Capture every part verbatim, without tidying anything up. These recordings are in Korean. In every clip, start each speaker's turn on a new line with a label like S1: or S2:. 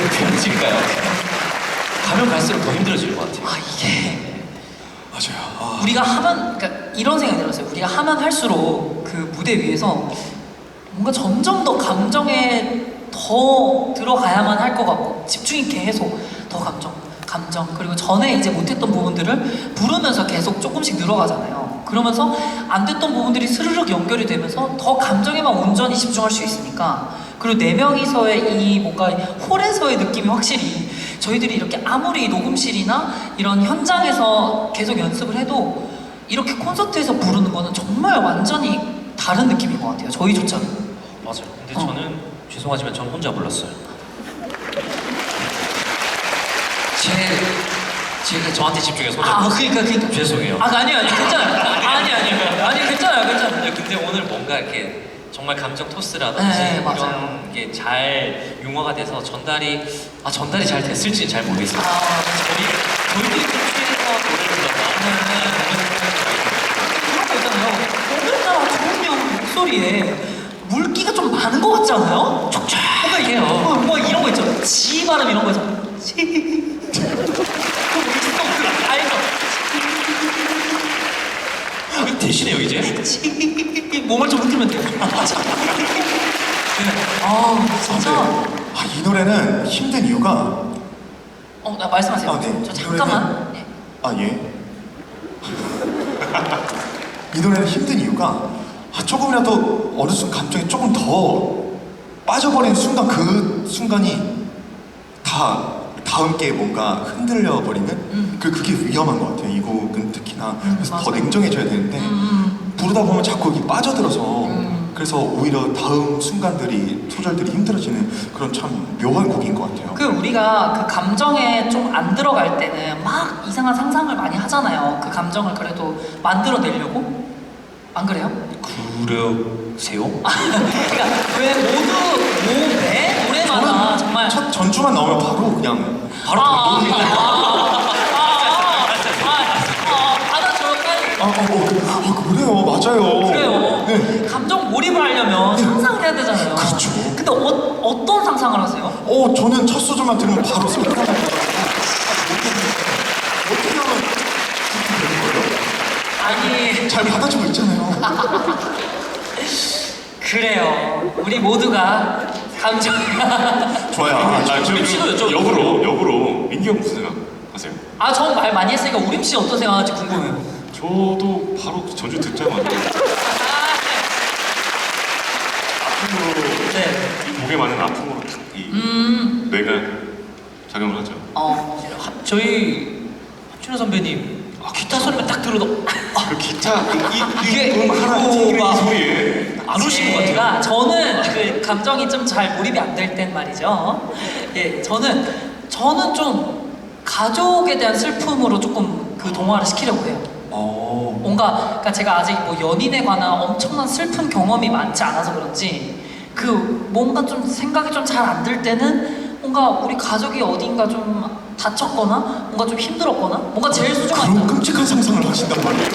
S1: 편해질까요? 가면 갈수록 더 힘들어질 것 같아요.
S2: 아 이게
S3: 맞아요. 아.
S2: 우리가 하면 그러니까 이런 생각이 들었어요. 우리가 하면 할수록 그 무대 위에서 뭔가 점점 더 감정에 더 들어가야만 할 것 같고 집중이 계속 더 감정, 감정 그리고 전에 이제 못했던 부분들을 부르면서 계속 조금씩 늘어가잖아요. 그러면서 안 됐던 부분들이 스르륵 연결이 되면서 더 감정에만 온전히 집중할 수 있으니까 그리고 네 명이서의 이 뭔가 홀에서의 느낌이 확실히 저희들이 이렇게 아무리 녹음실이나 이런 현장에서 계속 연습을 해도 이렇게 콘서트에서 부르는 거는 정말 완전히 다른 느낌인 것 같아요. 저희조차도.
S1: 맞아요. 근데
S2: 어.
S1: 저는 죄송하지만 전 혼자 불렀어요. 제 제가 저한테 집중해서 혼자.
S2: 아, 그러니까 그러니까
S1: 죄송해요.
S2: 아, 아니요, 아니 괜찮아요. 아니, 아니, 아니 괜찮아요, 괜찮아요.
S1: 근데, 근데 오늘 뭔가 이렇게 정말 감정 토스라든지
S2: 네,
S1: 이런
S2: 맞아요.
S1: 게 잘 융화가 돼서 전달이 아 전달이 잘 됐을지는 잘 모르겠어요.
S2: 아,
S1: 저희 저희들이 콘서트에서 노래를
S2: 그런 거 있잖아요. 오늘따라 조은이 형 목소리에 물기가 좀 많은 것 같지 않아요? 촉촉해요. 뭐, 뭐 이런 거 있죠. 지 발음 이런 거 있죠. 지. 그 알죠?
S1: 그 대신해요 이제.
S2: 지. 몸을 좀 흔들면 돼요. 네. 아, 진짜.
S3: 아, 이 노래는 힘든 이유가
S2: 어, 나 말씀하세요.
S3: 아, 네.
S2: 저
S3: 이
S2: 잠깐만. 네.
S3: 아, 예. 이 노래는 힘든 이유가 아, 조금이라도 어느 순간 감정이 조금 더 빠져버리는 순간 그 순간이 다 다음 게 뭔가 흔들려 버리는
S2: 음.
S3: 그 그게 위험한 것 같아요. 이 곡은 특히나
S2: 음,
S3: 그래서 더
S2: 맞아요.
S3: 냉정해져야 되는데
S2: 음,
S3: 부르다 보면 자꾸 여기 빠져들어서
S2: 음.
S3: 그래서 오히려 다음 순간들이 소절들이 힘들어지는 그런 참 묘한 곡인 것 같아요.
S2: 그 우리가 그 감정에 좀 안 들어갈 때는 막 이상한 상상을 많이 하잖아요. 그 감정을 그래도 만들어내려고. 안 그래요?
S1: 그러세요?
S2: 그러니까 왜 모두 뭐매 노래마다 정말
S3: 첫 전주만 나오면 바로 그냥 바로
S2: 아,
S3: 감동이
S2: 아, 아, 아, 아, 아, 받아줘요 빨리.
S3: 아, 어, 어, 어, 그래요, 맞아요.
S2: 그래요.
S3: 네.
S2: 감정 몰입을 하려면 상상을 해야 되잖아요.
S3: 그렇죠.
S2: 근데 어, 어떤 상상을 하세요?
S3: 어, 저는 첫 소절만 들으면 바로 생각나는 것 같아요. 어떻게 하면 그렇게 되는 거예요?
S2: 아니
S3: 잘 받아주고 있잖아요.
S2: 그래요. 우리 모두가 감정.
S3: 좋아요.
S4: 아, 저
S1: 우림 씨도 여쭤볼게요.
S4: 역으로 역으로 민기 형 무슨 생각하세요?
S2: 아, 전 말 많이 했으니까 우림 씨 어떤 생각할지 궁금해요.
S4: 저도 바로 전주 듣자마자 아픔으로
S2: 네.
S4: 이 목에 맞는 아픔으로 탁이
S2: 음.
S4: 뇌가 작용을 하죠.
S2: 어.
S1: 하- 저희 합준호 선배님 아, 기타 소리만 딱 들어도 아,
S4: 그 기타 그 이,
S2: 이게
S4: 이 음 하나 튕기는
S2: 막-
S4: 이 소리에
S1: 안 오신 것 같아요.
S2: 제가 저는 그 감정이 좀 잘 몰입이 안 될 땐 말이죠. 예, 저는 저는 좀 가족에 대한 슬픔으로 조금 그 동화를 시키려고 해요.
S3: 어,
S2: 뭔가 그러니까 제가 아직 뭐 연인에 관한 엄청난 슬픈 경험이 많지 않아서 그런지 그 뭔가 좀 생각이 좀 잘 안 들 때는 뭔가 우리 가족이 어딘가 좀 다쳤거나 뭔가 좀 힘들었거나 뭔가 제일 소중한
S3: 그런 끔찍한 상상을 하신단 말이에요.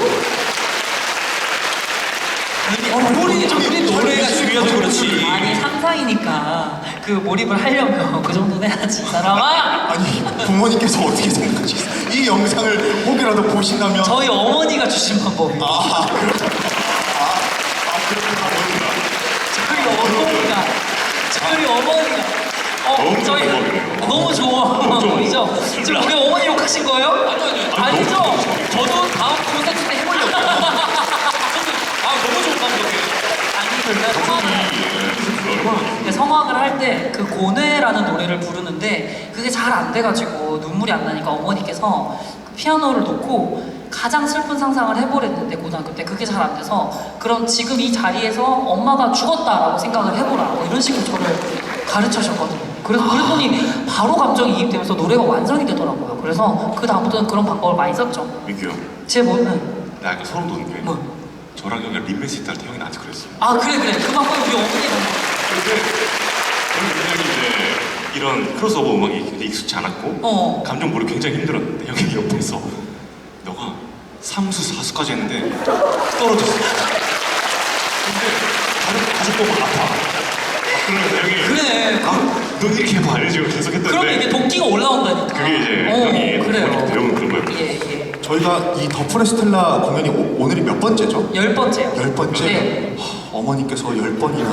S2: 어,
S3: 우리
S2: 우리
S1: 노래가 중요해서 그렇지.
S2: 아니 상상이니까 그 몰입을 하려면 그 정도는 해야지 이 사람아.
S3: 아니, 부모님께서 어떻게 생각하시겠어요? 이 영상을 혹이라도 보신다면.
S2: 저희 어머니가 주신 방법이에요.
S3: 아, 그렇구나. 아, 아, 그렇구나.
S2: 저희 어머니가 저희 어머니가 어
S4: 너무
S2: 저희
S4: 좋은 방법이네요.
S2: 너무 좋은 방법이죠. 지금 우리 어머니 욕하신 거예요?
S1: 아니요 아니요.
S2: 아니죠?
S1: 저도 다음 콘서트 때 해보려고. 저도 아 너무 좋은 방법이에요.
S2: 아니 그러니까 성악을
S4: 이 얼마나
S2: 근데 성악을 할 때 그 고뇌라는 노래를 부르는데 그게 잘 안 돼가지고 눈물이 안 나니까 어머니께서 그 피아노를 놓고 가장 슬픈 상상을 해보랬는데 고등학교 때 그게 잘 안 돼서 그럼 지금 이 자리에서 엄마가 죽었다라고 생각을 해보라 뭐 이런 식으로 저를 가르쳐주셨거든요. 그래서 그랬더니 바로 감정이 이입되면서 노래가 완성이 되더라고요. 그래서 그 다음부터는 그런 방법을 많이 썼죠.
S4: 민기 형,
S2: 제 뭐는
S4: 나 약간 소름 돋는 게
S2: 뭐?
S4: 저랑 형이랑 림메시트 할 때 형이 나한테 그랬어요.
S2: 아 그래 그래 그 방법 우리 어머니가
S4: 근데 저는 굉장히 이제 이런 크로스오버 음악이 굉장히 익숙치 않았고
S2: 어.
S4: 감정 몰입 굉장히 힘들었는데 형이 옆에서 너가 삼수 사수까지 했는데 떨어졌어. 근데 다른 가족 보면 아파. 그러면서 형이
S2: 그래.
S4: 아, 너 이렇게 해봐 알지? 계속 했던데
S2: 그러면 이게 도끼가 올라온다니까.
S4: 그게 이제
S2: 어,
S4: 형이
S2: 그래요.
S4: 배운 그런 거예요.
S2: 예, 예.
S3: 저희가 이 더 포레스텔라 공연이 오, 오늘이 몇 번째죠?
S2: 열 번째요.
S3: 열 번째?
S2: 네.
S3: 하, 어머니께서 열 번이나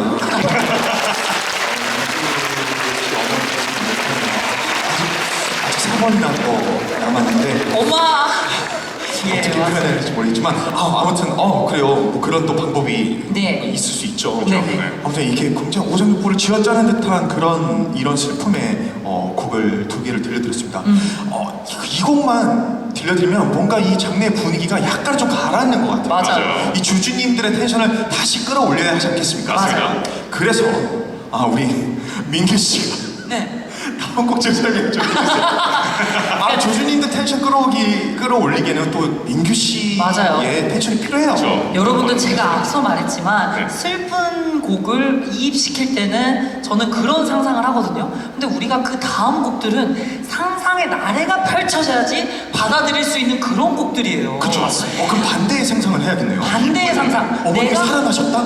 S3: 아직, 아직 세 번이나 더 남았는데
S2: 엄마. 예,
S3: 어떻게
S2: 맞아요.
S3: 표현해야 될지 모르겠지만 아, 아무튼 어 그래요 뭐 그런 또 방법이
S2: 네.
S3: 있을 수 있죠.
S2: 네,
S3: 그죠?
S2: 네.
S3: 아무튼 이게 굉장히 오장육부를 쥐어짜는 듯한 그런 이런 슬픔의 어, 곡을 두 개를 들려드렸습니다.
S2: 음.
S3: 어, 이, 이 곡만 들려드리면 뭔가 이 장르의 분위기가 약간 좀 가라앉는 것 같아요.
S2: 맞아요.
S4: 맞아요.
S3: 이 주주님들의 텐션을 다시 끌어올려야 하지 않겠습니까?
S2: 맞아요.
S3: 그래서 아 우리 민규 씨가
S2: 네.
S3: 다음 곡 좀 설명 좀 해주세요. 아 조주님들 텐션 끌어오기 끌어올리기에는 또 민규 씨의
S2: 맞아요.
S3: 텐션이 필요해요.
S4: 그렇죠.
S2: 여러분들 제가 앞서 말했지만
S4: 네.
S2: 슬픈 곡을 이입시킬 때는 저는 그런 상상을 하거든요. 근데 우리가 그 다음 곡들은 상상의 나래가 펼쳐져야지 받아들일 수 있는 그런 곡들이에요.
S3: 그렇죠. 어, 그럼 반대의 상상을 해야겠네요.
S2: 반대의 상상.
S3: 어머니
S2: 내가
S3: 살아나셨다?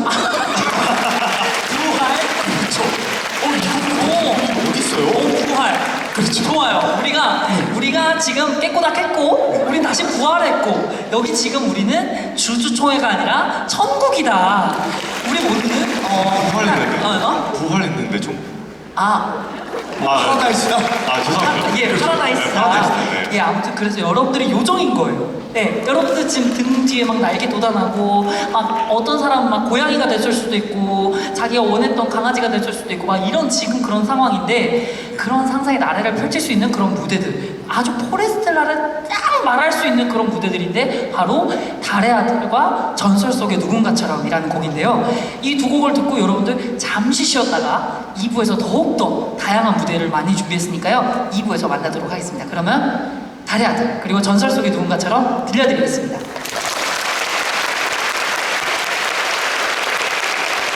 S2: 부활.
S3: 그렇죠. 어 이거
S2: 오.
S3: 어디 있어요?
S2: 오, 부활.
S3: 그렇죠.
S2: 좋아요. 우리가 우리가 지금 깨꼬다 깼고, 우린 다시 부활했고, 여기 지금 우리는 주주총회가 아니라 천국이다. 우리 모두는 어,
S4: 부활했는데
S2: 어, 어?
S4: 부활했는데 좀
S2: 아,
S4: 아,
S3: 파라다이스다.
S4: 아 죄송합니다.
S2: 예,
S4: 네,
S2: 파라다이스다.
S4: 파라다이스. 네.
S2: 예, 아무튼 그래서 여러분들이 요정인 거예요. 네, 여러분들 지금 등 뒤에 막 날개 돋아나고, 막 어떤 사람은 막 고양이가 됐을 수도 있고, 자기가 원했던 강아지가 됐을 수도 있고, 막 이런 지금 그런 상황인데, 그런 상상의 나래를 펼칠 수 있는 그런 무대들, 아주 포레스텔라를 딱 말할 수 있는 그런 무대들인데, 바로 달의 아들과 전설 속의 누군가처럼이라는 곡인데요. 이 두 곡을 듣고 여러분들 잠시 쉬었다가 이 부에서 더욱더 다양한 무대를 많이 준비했으니까요. 이 부에서 만나도록 하겠습니다. 그러면 달의 아들 그리고 전설 속의 누군가처럼 들려드리겠습니다.